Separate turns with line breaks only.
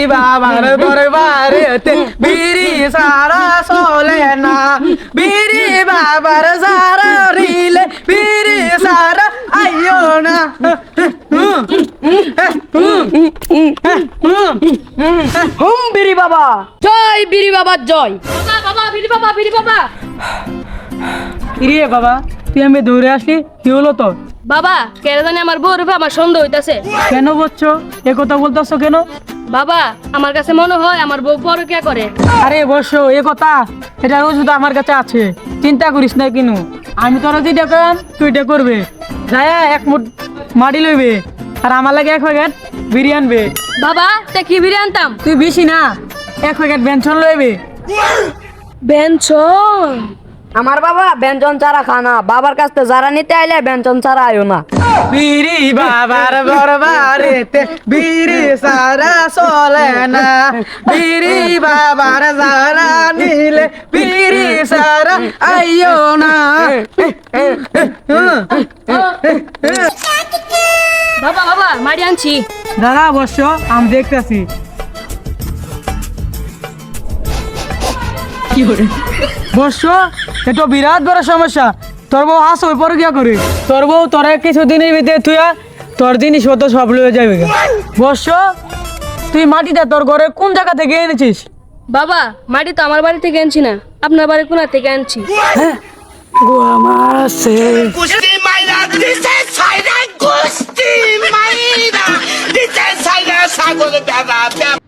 বাবার দরবারেতে বিড়ি সারা চলে না, বিড়ি বাবার সারা রিলে বিড়ি সারা আইও না।
বিড়ি বাবা জয়, বিড়ি বাবা জয়।
বাবা বিড়ি বাবা, বিড়ি বাবা।
কিরে বাবা, তুই আমি দৌড়ে আসলি, কি হলো তো?
বাবা কেন জানি আমার বউর উপরে আমার সন্দেহ হইতাছে।
কেন বলছো এ কথা বলতেছো কেন?
বাবা আমার কাছে মনে হয় আমার বউ পরকিয়া করে।
আরে বসো, এ কথা এটা ওষুধ আমার কাছে আছে, চিন্তা করিস না কিনু। আমি তোরা যেটা করাম তুই এটা করবে। যায়া এক মুঠ মাটি লইবে আর আমার লাগে এক প্যাকেট বিড়ি আনবে।
বাবা তা কি বিড়ি আনতাম?
তুই বেশি না, এক প্যাকেট বেঞ্চন লইবে।
বেঞ্চন?
আমার বাবা ব্যঞ্জন ছাড়া খানা, বাবার কাছ থেকে যারা নিতে আইলে ব্যঞ্জন ছাড়া আয়ো না।
বিড়ি বাবার দরবারেতে বিড়ি সারা চলে না, বিড়ি বাবার সারা নিলে বিড়ি সারা আইও না।
বাবা বাবা মারি আনছি।
দাদা অবশ্য আমি দেখতেছি। বর্ষ এটা বিরাট বড় সমস্যা। তোর বউ হাস ওই পরে গিয়া করে, তোর বউ তোরা কিছুদিনের ভিতরে তুই তোর জিনিস হতো সব লয়ে যাবে। বর্ষ তুই মাটিটা তোর ঘরে কোন জায়গা থেকে এনেছিস?
বাবা মাটি তো আমার বাড়ি থেকে আনছি না, আপনার বাড়ি কোনা থেকে আনছি।
Gusti Maida, dice Saida, Gusti Maida, dice Saida, sago de